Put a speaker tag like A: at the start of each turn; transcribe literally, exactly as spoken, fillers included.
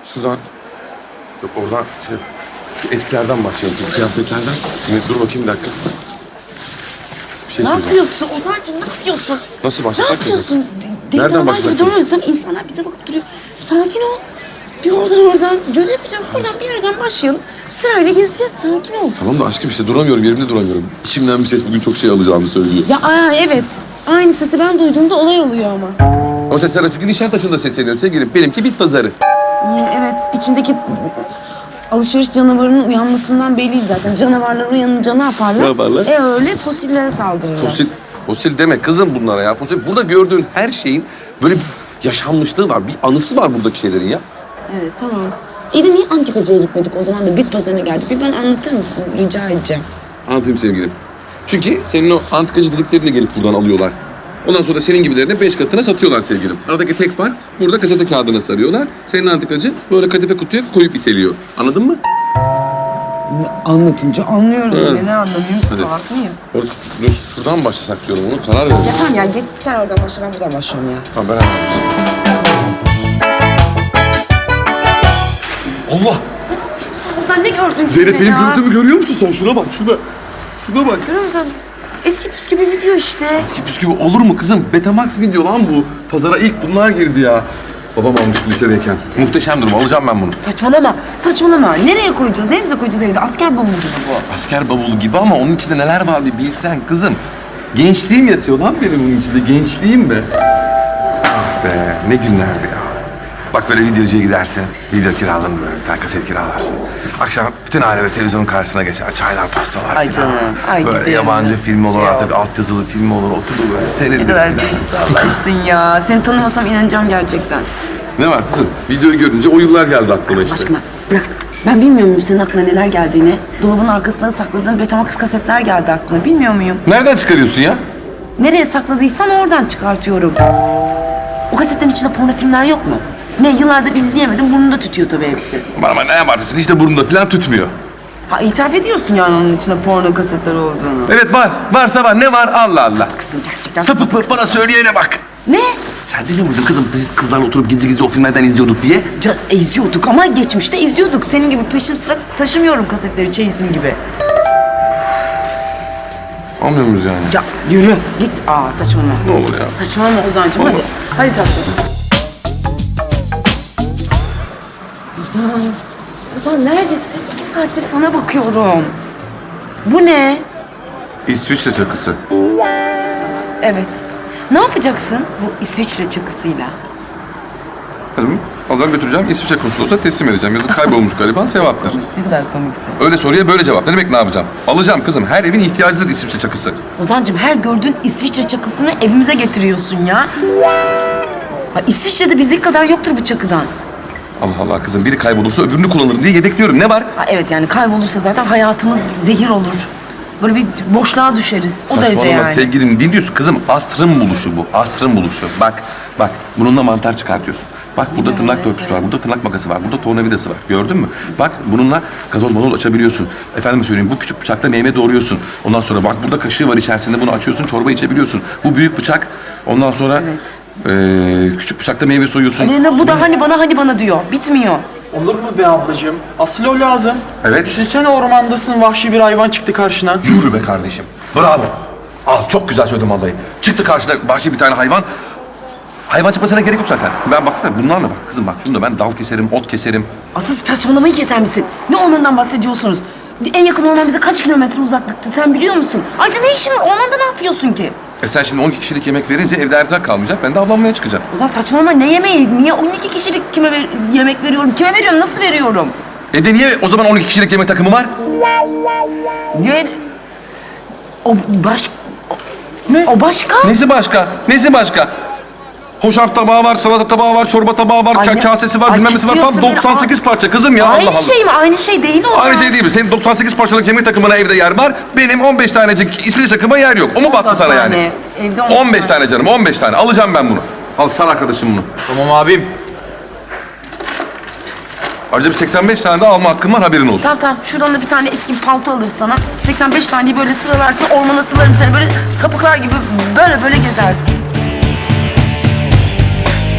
A: Şuradan. Yok oradan şey. Şu eskilerden başlayalım. Şu kıyafetlerden. Şimdi dur bakayım bir dakika. Bir şey
B: Ne
A: söyleyeceğim.
B: yapıyorsun Ozan'cığım, ne yapıyorsun?
A: Nasıl
B: Ne
A: başlasak
B: yapıyorsun? Deli
A: Nereden
B: normal
A: başlasak
B: gibi durmuyoruz değil mi? İnsanlar bize bakıp duruyor. Sakin ol. Bir oradan oradan. Görev yapacağız. Buradan bir yerden başlayalım. Sırayla gezeceğiz. Sakin ol.
A: Tamam da aşkım işte duramıyorum. Yerimde duramıyorum. İçimden bir ses bugün çok şey alacağını söylüyor.
B: Ya aa, evet. Aynı sesi ben duyduğumda olay oluyor ama.
A: O sesler çünkü Nişantaşı'nda sesleniyor sevgilim. Benimki bit pazarı.
B: Ee, evet. içindeki alışveriş canavarının uyanmasından belli zaten. Canavarlar uyanınca ne yaparlar?
A: Ne yaparlar?
B: E öyle fosillere saldırırlar.
A: Fosil, fosil deme kızım bunlara ya. Fosil. Burada gördüğün her şeyin böyle bir yaşanmışlığı var. Bir anısı var buradaki şeylerin ya.
B: Evet, tamam. İyi de niye antikacıya gitmedik o zaman da bit pazarına geldik? Bir bana anlatır mısın? Rica edeceğim.
A: Anlatayım sevgilim. Çünkü senin o antikacı dediklerini de gelip buradan alıyorlar. Ondan sonra senin gibilerine beş katına satıyorlar sevgilim. Aradaki tek fark burada gazete kağıdına sarıyorlar. Senin antikacı böyle kadife kutuya koyup iteliyor. Anladın mı?
B: Anlatınca anlıyorum.
A: Hı.
B: Neden anlamıyorum?
A: Hadi.
B: Salak mıyım?
A: Or dur şuradan başlasak diyorum onu karar verelim.
B: Ya tamam ya git sen oradan başla, ben buradan başlıyorum ya.
A: Tamam ben anlamışım. Allah!
B: Sen ne gördün
A: Zeynep
B: yine
A: benim
B: ya?
A: gördüğümü görüyor musun sen? Şuna bak şuna. Şuna bak.
B: Görüyor musun? Eski püskü bir video işte.
A: Eski püskü olur mu kızım? Betamax video lan bu. Pazara ilk bunlar girdi ya. Babam almıştı lisedeyken. Muhteşem durum. Alacağım ben bunu.
B: Saçmalama, saçmalama. Nereye koyacağız? Neremize koyacağız evde? Asker bavulu gibi bu.
A: Asker bavulu gibi ama onun içinde neler var bir bilsen kızım. Gençliğim yatıyor lan benim bunun içinde. Gençliğim be. Ah be ne günlerdi ya. Bak böyle videocuya gidersin. Video kiralanır böyle bir tane kaset kiralarsın. Akşam bütün aile televizyonun karşısına geçer. Çaylar, pastalar
B: Ay
A: falan.
B: canım, ay
A: böyle
B: güzelim.
A: yabancı film olur
B: Şey
A: artık altyazılı film olur. Oturur böyle
B: Ne
A: seyredir.
B: kadar duygusallaştın ya. Seni tanımasam inanacağım gerçekten.
A: Ne var kızım? Videoyu görünce o yıllar geldi aklıma işte.
B: Aşkına bırak. Ben bilmiyor muyum senin aklına neler geldiğini? Dolabın arkasında sakladığın Betamax kasetler geldi aklına. Bilmiyor muyum?
A: Nereden çıkarıyorsun ya?
B: Nereye sakladıysan oradan çıkartıyorum. O kasetlerin içinde porno filmler yok mu? Ne, yıllardır izleyemedim, burnunda tütüyor tabii hepsi.
A: Bana bana ne yaparsın? İşte burnunda falan tutmuyor.
B: Ha, itiraf ediyorsun yani onun içinde porno kasetler olduğunu.
A: Evet var. Varsa var. Ne var? Allah Allah.
B: Sapıksın gerçekten.
A: Sapık bana söyleyene bak.
B: Ne?
A: Sen demiyor muydun kızım biz kızlarla oturup gizli gizli o filmlerden izliyorduk diye?
B: Can, izliyorduk ama geçmişte izliyorduk. Senin gibi peşim sıra taşımıyorum kasetleri çeyizim gibi.
A: Anlıyor muyuz yani?
B: Ya yürü git. Aa saçmalama.
A: Ne olur ya?
B: Saçmalama Ozan'cığım hadi.
A: Olur.
B: Hadi tatlım. Ozan. Ozan neredesin? İki saattir sana bakıyorum. Bu ne?
A: İsviçre çakısı.
B: Evet. Ne yapacaksın bu İsviçre çakısıyla?
A: Hanım alacağım götüreceğim İsviçre konsolosluğuna teslim edeceğim. Yazık kaybolmuş gariban sevaptır.
B: Ne kadar komiksin.
A: Öyle soruya böyle cevap. Ne demek ne yapacağım? Alacağım kızım. Her evin ihtiyacıdır İsviçre çakısı.
B: Ozan'cığım her gördüğün İsviçre çakısını evimize getiriyorsun ya. Ha, İsviçre'de bizlik kadar yoktur bu çakıdan.
A: Allah Allah kızım biri kaybolursa öbürünü kullanırım diye yedekliyorum. Ne var?
B: Ha, evet yani kaybolursa zaten hayatımız zehir olur. Böyle bir boşluğa düşeriz. O derece
A: Saçmalama
B: yani.
A: sevgilim. Dinliyorsun kızım. Asrın buluşu bu. Asrın buluşu. Bak, bak. Bununla mantar çıkartıyorsun. Bak burada tırnak törpüsü var, burada tırnak makası var, burada tornavidası var. Gördün mü? Bak bununla gazoz mazoz açabiliyorsun. Efendime söyleyeyim bu küçük bıçakla meyve doğruyorsun. Ondan sonra bak burada kaşığı var içerisinde bunu açıyorsun çorba içebiliyorsun. Bu büyük bıçak. Ondan sonra
B: Evet.
A: eee, küçük bıçakla meyve soyuyorsun.
B: Aleyna bu da hani bana hani bana diyor. Bitmiyor.
C: Olur mu be ablacığım? Asıl o lazım.
A: Evet.
C: Düşünsene ormandasın, vahşi bir hayvan çıktı karşına.
A: Yürü be kardeşim. Bravo. Al çok güzel söyledim vallahi. Çıktı karşına vahşi bir tane hayvan. Hayvan çıkmasına gerek yok zaten. Ben baksana bunlarla bak kızım bak şunu da ben dal keserim, ot keserim.
B: Asıl saçmalamayı keser misin? Ne ormandan bahsediyorsunuz? En yakın orman bize kaç kilometre uzaklıkta sen biliyor musun? Ayrıca ne işin var? Ormanda ne yapıyorsun ki?
A: E sen şimdi on iki kişilik yemek verince evde erzak kalmayacak. Ben de avlanmaya çıkacağım.
B: O zaman saçmalama ne yemeği? Niye on iki kişilik kime ver- yemek veriyorum? Kime veriyorum? Nasıl veriyorum?
A: E de niye o zaman on iki kişilik yemek takımı var?
B: Niye? O baş...
A: Ne?
B: O başka?
A: Nesi başka? Nesi başka? Hoşaf tabağı var, salata tabağı var, çorba tabağı var,
B: Ay
A: ka-
B: ne-
A: kasesi var,
B: Ay
A: bilmem nesi var. Tam
B: kızıyorsun beni.
A: doksan sekiz parça kızım ya.
B: Aynı
A: Allah Allah.
B: şey mi? Aynı şey değil o
A: Aynı
B: zaman.
A: şey değil mi? Senin doksan sekiz parçalık yemek takımına evde yer var. Benim on beş tanecik İsviçre takıma yer yok. O mu battı sana yani?
B: tane. Evde on
A: on beş tane canım, on beş tane. Alacağım ben bunu. Al sar arkadaşım bunu.
C: Tamam abim.
A: Ayrıca bir seksen beş tane de alma hakkım var haberin olsun.
B: Tamam tamam. Şuradan da bir tane eski bir palto alır sana. seksen beş taneyi böyle sıralarsın. Ormana sılarım seni. Böyle sapıklar gibi böyle böyle gezersin.